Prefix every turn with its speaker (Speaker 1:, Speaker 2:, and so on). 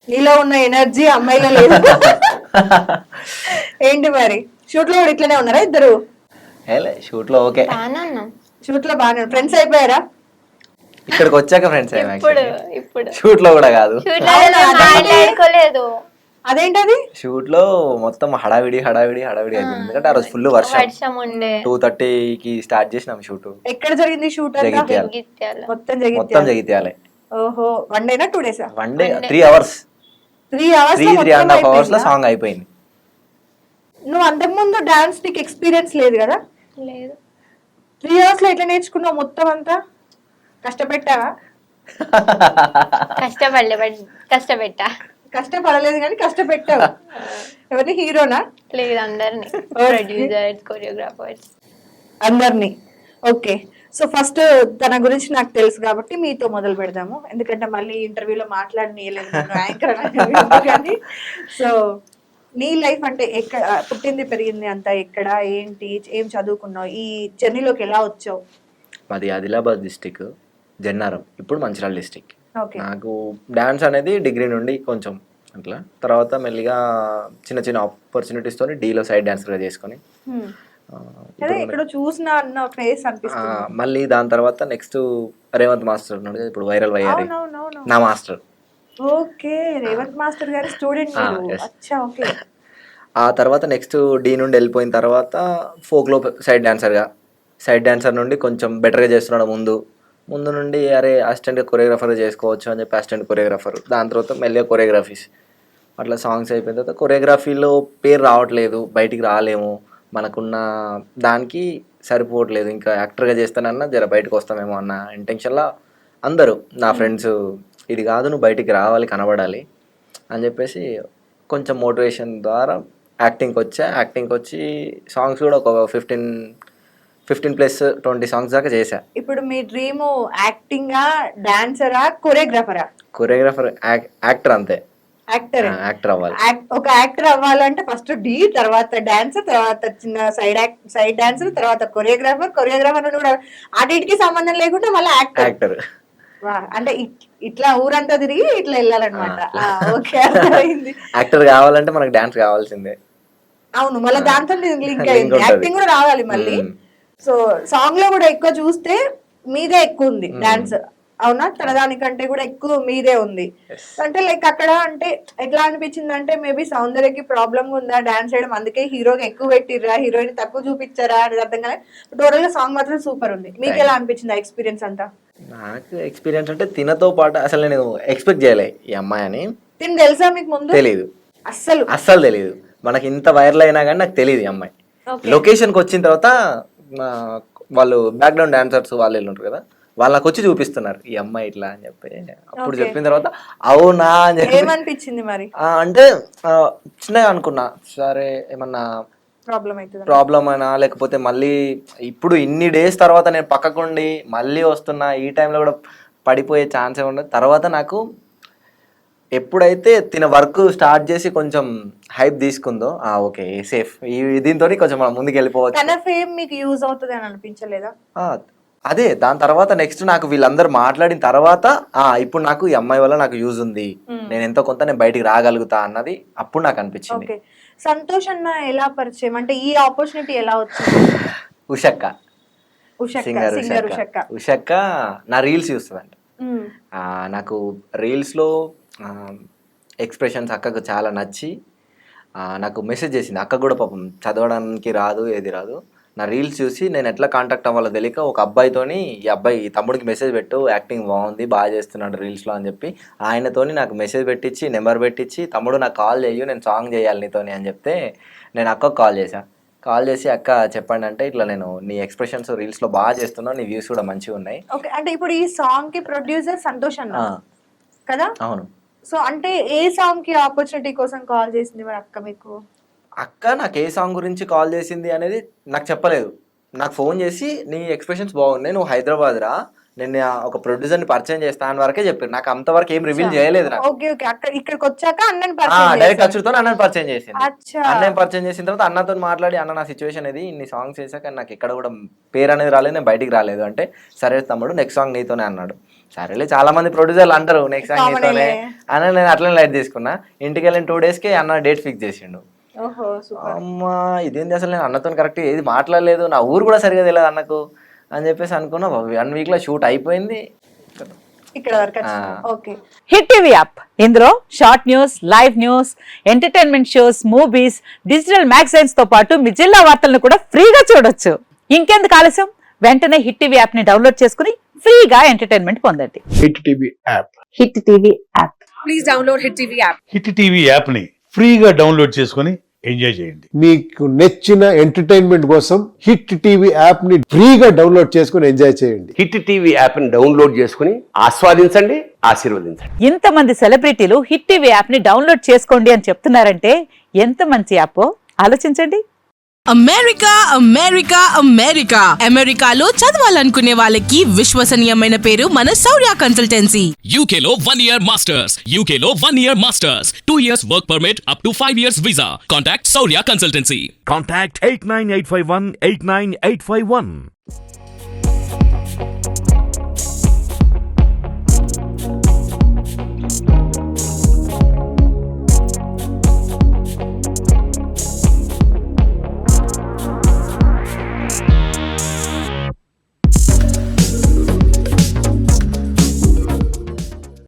Speaker 1: నీలో ఉన్న ఎనర్జీ అమ్మాయిలో లేదు. ఏంటి మరి షూట్ లో కూడా ఇట్లనే ఉన్నారా ఇద్దరు?
Speaker 2: షూట్ లో ఓకే,
Speaker 1: షూట్ లో బాగానే ఫ్రెండ్స్ అయిపోయారా?
Speaker 2: ఇక్కడికి వచ్చాక ఫ్రెండ్స్
Speaker 3: ఇప్పుడు
Speaker 2: షూట్ లో కూడా కాదు.
Speaker 3: మాట్లాడుకోలేదు.
Speaker 1: అదేంటది?
Speaker 2: షూట్ లో మొత్తం హడావిడి అయిపోయింది, ఎందుకంటే ఆ రోజు ఫుల్ వర్షం
Speaker 3: ఉండే.
Speaker 2: 2:30కి స్టార్ట్ చేసినాం షూట్.
Speaker 1: ఎక్కడ జరిగింది షూట్?
Speaker 2: జగిత్యాల.
Speaker 1: మొత్తం
Speaker 2: మొత్తం జగిత్యాలే.
Speaker 1: ఓహో, 1 డేనా 2 డేసా?
Speaker 2: 1 డే 3 అవర్స్, 3.5 అవర్స్ లో సాంగ్ అయిపోయింది.
Speaker 1: నువ్వు అంతకుముందు డాన్స్ నీకు ఎక్స్పీరియన్స్ లేదు కదా?
Speaker 3: లేదు.
Speaker 1: 3 అవర్స్ లో ఎట్లా నేర్చుకున్నావు మొత్తం అంతా? కష్టపెట్టావా?
Speaker 3: కష్టపెట్టా.
Speaker 1: కష్టపడలేదు కానీ కష్టపెట్టావు. ఎవరిని, హీరోనా?
Speaker 3: లేదు, అందరినీ, ప్రొడ్యూసర్స్, కొరియోగ్రాఫర్స్
Speaker 1: అందరినీ. ఓకే, సో ఫస్ట్ తన గురించి నాకు తెలుసు కాబట్టి మీతో మొదలు పెడదాము, ఎందుకంటే మళ్ళీ ఇంటర్వ్యూలో మాట్లాడనీయలేదు యాంకర్. సో నీ లైఫ్ అంటే ఎక్కడ పుట్టింది పెరిగింది అంతా ఎక్కడ, ఏంటి, ఏం చదువుకున్నావు, ఈ జర్నీలోకి ఎలా వచ్చావు?
Speaker 2: మాది ఆదిలాబాద్ డిస్టిక్, జన్నారం, ఇప్పుడు మంచిర్యాల డిస్టిక్.
Speaker 1: ఓకే.
Speaker 2: నాకు డాన్స్ అనేది డిగ్రీ నుండి కొంచెం అట్లా, తర్వాత మెల్లిగా చిన్న చిన్న ఆపర్చునిటీస్ తోని డీలో సైడ్ డాన్సర్గా చేసుకొని
Speaker 1: ఇక్కడ చూసిన అన్న ఫేస్ అనిపిస్తుంది.
Speaker 2: మళ్ళీ దాని తర్వాత నెక్స్ట్ రేవంత్ మాస్టర్ ఉన్నాడు కదా, ఇప్పుడు వైరల్ అయ్యారు, నా మాస్టర్.
Speaker 1: ఓకే, రేవంత్ మాస్టర్ గారి స్టూడెంట్. అచ్చా, ఓకే.
Speaker 2: ఆ తర్వాత నెక్స్ట్ డీ నుండి వెళ్ళిపోయిన తర్వాత ఫోక్లో సైడ్ డాన్సర్ నుండి కొంచెం బెటర్గా చేస్తున్నాడు ముందు నుండి, అరే అసిస్టెంట్ కొరియోగ్రాఫర్ చేసుకోవచ్చు అని చెప్పి అసిస్టెంట్ కొరియోగ్రాఫర్, దాని తర్వాత మెల్లిగా కొరియోగ్రఫీస్, అట్లా సాంగ్స్ అయిపోయిన తర్వాత కొరియోగ్రఫీలో పేరు రావట్లేదు, బయటికి రాలేము, మనకున్న దానికి సరిపోవట్లేదు, ఇంకా యాక్టర్గా చేస్తానన్నా జర బయటకు వస్తామేమో అన్న ఇంటెన్షన్లో అందరూ నా ఫ్రెండ్స్, ఇది కాదు నువ్వు బయటికి రావాలి, కనబడాలి అని చెప్పేసి కొంచెం మోటివేషన్ ద్వారా యాక్టింగ్కి వచ్చి సాంగ్స్ కూడా ఒక 15+20 సాంగ్స్ దాకా చేశా.
Speaker 1: ఇప్పుడు మీ డ్రీమ్ యాక్టింగా, డాన్సరా,
Speaker 2: కొరియోగ్రాఫర్, యాక్టర్, అంతే.
Speaker 1: యాక్టర్
Speaker 2: అవ్వాలి.
Speaker 1: ఒక యాక్టర్ అవ్వాలంటే ఫస్ట్ డీ, తర్వాత డాన్సర్, తర్వాత చిన్న సైడ్ డాన్సర్, తర్వాత కొరియోగ్రాఫర్ కూడా అన్నిటికీ సంబంధం లేకుండా మళ్ళీ యాక్టర్. అంటే ఇట్లా ఊరంతా తిరిగి ఇట్లా వెళ్ళాలన్నమాట. ఓకే, అర్థమైంది.
Speaker 2: యాక్టర్ కావాలంటే మనకు డాన్స్ కావాల్సిందే.
Speaker 1: అవును, మళ్ళీ దాంతో లింక్ అయింది, యాక్టింగ్ కూడా రావాలి మళ్ళీ. సో సాంగ్ లో కూడా ఎక్కువ చూస్తే మీదే ఎక్కువ ఉంది డాన్స్, అవునా? తన దానికంటే కూడా ఎక్కువ మీదే ఉంది. అంటే లైక్ అక్కడ అంటే ఎట్లా అనిపించింది అంటే, మేబీ సౌందర్యకి ప్రాబ్లమ్ ఉందా డాన్స్ చేయడం, అందుకే హీరోకి ఎక్కువ పెట్టిర్రా, హీరోయిన్ తక్కువ చూపించారా అనేది అర్థం కానీ టోటల్ గా సాంగ్ మాత్రం సూపర్ ఉంది. మీకు ఎలా అనిపించింది ఆ ఎక్స్పీరియన్స్ అంతా?
Speaker 2: నాకు ఎక్స్పీరియన్స్ అంటే తినతో పాటు అసలు నేను ఎక్స్పెక్ట్ చేయలే ఈ అమ్మాయి అని.
Speaker 1: తిని తెలుసా మీకు ముందు?
Speaker 2: తెలీదు,
Speaker 1: అస్సలు
Speaker 2: తెలీదు. మనకి ఇంత వైరల్ అయినా కానీ నాకు తెలియదు ఈ అమ్మాయి. లొకేషన్కి వచ్చిన తర్వాత వాళ్ళు బ్యాక్గ్రౌండ్ డాన్సర్స్ వాళ్ళు ఉంటారు కదా, వాళ్ళు నాకు వచ్చి చూపిస్తున్నారు ఈ అమ్మాయి ఇట్లా అని చెప్పి. అప్పుడు చెప్పిన తర్వాత అవునా అని చెప్పి
Speaker 1: ఏమనిపించింది మరి?
Speaker 2: అంటే చిన్నగా అనుకున్నా, సరే ఏమన్నా ప్రాబ్లం అయినా లేకపోతే మళ్ళీ ఇప్పుడు ఇన్ని డేస్ తర్వాత నేను పక్కకుండి మళ్ళీ వస్తున్నా, ఈ టైంలో కూడా పడిపోయే ఛాన్స్ ఉండదు. తర్వాత నాకు ఎప్పుడైతే తిన వర్క్ స్టార్ట్ చేసి కొంచెం హైప్ తీసుకుందో, ఓకే సేఫ్, దీంతో కొంచెం మనం ముందుకు వెళ్ళిపోవచ్చు.
Speaker 1: తన ఫేమ్ మీకు యూజ్ అవుతుంది అని అనిపించలేదా?
Speaker 2: అదే దాని తర్వాత నెక్స్ట్ నాకు వీళ్ళందరూ మాట్లాడిన తర్వాత ఇప్పుడు నాకు ఈ అమ్మాయి వల్ల నాకు యూజ్ ఉంది, నేను ఎంతో కొంత నేను బయటికి రాగలుగుతా అన్నది అప్పుడు నాకు అనిపించింది.
Speaker 1: సంతోష్ అన్న ఎలా పరిచయం, అంటే ఈ ఆపర్చునిటీ ఎలా వచ్చింది?
Speaker 2: ఉషక్క నా రీల్స్ చూస్తుందంట. నాకు రీల్స్లో ఎక్స్ప్రెషన్స్ అక్కకు చాలా నచ్చి నాకు మెసేజ్ చేసింది. అక్క కూడా పాపం చదవడానికి రాదు, ఏది రాదు. నా రీల్స్ చూసి నేను ఎట్లా కాంటాక్ట్ అవ్వాలో తెలియక ఒక అబ్బాయితోని, ఈ తమ్ముడికి మెసేజ్ పెట్టు, యాక్టింగ్ బాగుంది, బాగా చేస్తున్నాడు రీల్స్లో అని చెప్పి ఆయనతోని నాకు మెసేజ్ పెట్టించి, నెంబర్ పెట్టించి, తమ్ముడు నాకు కాల్ చేయు, నేను సాంగ్ చేయాలి నీతోని అని చెప్తే నేను అక్కకు కాల్ చేసి అక్క చెప్పండి అంటే, ఇట్లా నేను నీ ఎక్స్ప్రెషన్స్ రీల్స్లో బాగా చేస్తున్నావు, నీ వ్యూస్ కూడా మంచిగా ఉన్నాయి.
Speaker 1: ఓకే, అంటే ఇప్పుడు ఈ సాంగ్ కి ప్రొడ్యూసర్ సంతోష్ అన్న కదా?
Speaker 2: అవును.
Speaker 1: సో అంటే ఏ సాంగ్ కి ఆపర్చునిటీ కోసం కాల్ చేసింది మరి అక్క మీకు?
Speaker 2: అక్క నాకు ఏ సాంగ్ గురించి కాల్ చేసింది అనేది నాకు చెప్పలేదు. నాకు ఫోన్ చేసి నీ ఎక్స్ప్రెషన్స్ బాగున్నాయి, నువ్వు హైదరాబాద్ రా, నేను ఒక ప్రొడ్యూసర్ని పరిచయం చేస్తా అని వరకే చెప్పారు. నాకు అంతవరకు ఏం రివీల్ చేయలేదు.
Speaker 1: ఇక్కడికి వచ్చాక
Speaker 2: డైరెక్ట్ అచ్చుతో అన్నని పరిచయం చేసింది. అన్నని పరిచయం చేసిన తర్వాత అన్నతో మాట్లాడి, అన్న నా సిచ్యువేషన్ ఇది, ఇన్ని సాంగ్స్ చేశాక నాకు ఎక్కడ కూడా పేరు అనేది రాలేదు, నేను బయటికి రాలేదు అంటే, సరే తమ్ముడు నెక్స్ట్ సాంగ్ నీతోనే అన్నాడు. సరేలే చాలా మంది ప్రొడ్యూసర్లు అంటారు నెక్స్ట్ సాంగ్
Speaker 1: Common
Speaker 2: నీతోనే
Speaker 1: లే.
Speaker 2: అని నేను అట్లనే లైట్ తీసుకున్నా. ఇంటికి వెళ్ళిన 2 days కి అన్న డేట్ ఫిక్స్ చేసిండు.
Speaker 1: ఓహో సూపర్.
Speaker 2: అమ్మా ఇదేంటి అసలు నేను అన్నతో కరెక్ట్ ఏది మాట్లాడలేదు, నా ఊరు కూడా సరిగా తెలియదు అన్నకు అని చెప్పేసి అనుకున్నా. 1 week లో షూట్ అయిపోయింది.
Speaker 1: ఇక్కడ వరకు ఓకే.
Speaker 4: హిట్ టీవీ యాప్ ఇందులో short news, live news, entertainment shows, movies, digital magazines తో పాటు మీ జిల్లా వార్తలను కూడా ఫ్రీగా చూడొచ్చు. ఇంకెందుకు ఆలస్యం, వెంటనే హిట్ టీవీ యాప్ ని డౌన్లోడ్ చేసుకుని ఫ్రీగా ఎంటర్టైన్మెంట్ పొందండి.
Speaker 5: Hit TV app.
Speaker 4: Hit TV app.
Speaker 6: Hit TV యాప్ని ఫ్రీగా డౌన్లోడ్ చేసుకొని ఎంజాయ్ చేయండి.
Speaker 5: మీకు నచ్చిన ఎంటర్టైన్మెంట్ కోసం హిట్ టీవీ యాప్ ని ఫ్రీగా డౌన్లోడ్ చేసుకుని ఎంజాయ్ చేయండి.
Speaker 7: హిట్ టీవీ యాప్ని డౌన్లోడ్ చేసుకుని ఆస్వాదించండి, ఆశీర్వదించండి.
Speaker 4: ఇంతమంది సెలబ్రిటీలు హిట్ టీవీ యాప్ ని డౌన్లోడ్ చేసుకోండి అని చెప్తున్నారంటే ఎంత మంచి యాప్ ఆలోచించండి.
Speaker 8: అమెరికా అమెరికా అమెరికా అమెరికాలో చదవాలనుకునే వాళ్ళకి విశ్వసనీయమైన పేరు మన శౌర్య కన్సల్టెన్సీ.
Speaker 9: UK లో 1 year masters. UK లో 1 year masters. 2 years work permit up to 5 years visa. Contact Saurya Consultancy.
Speaker 10: Contact 89851 89851.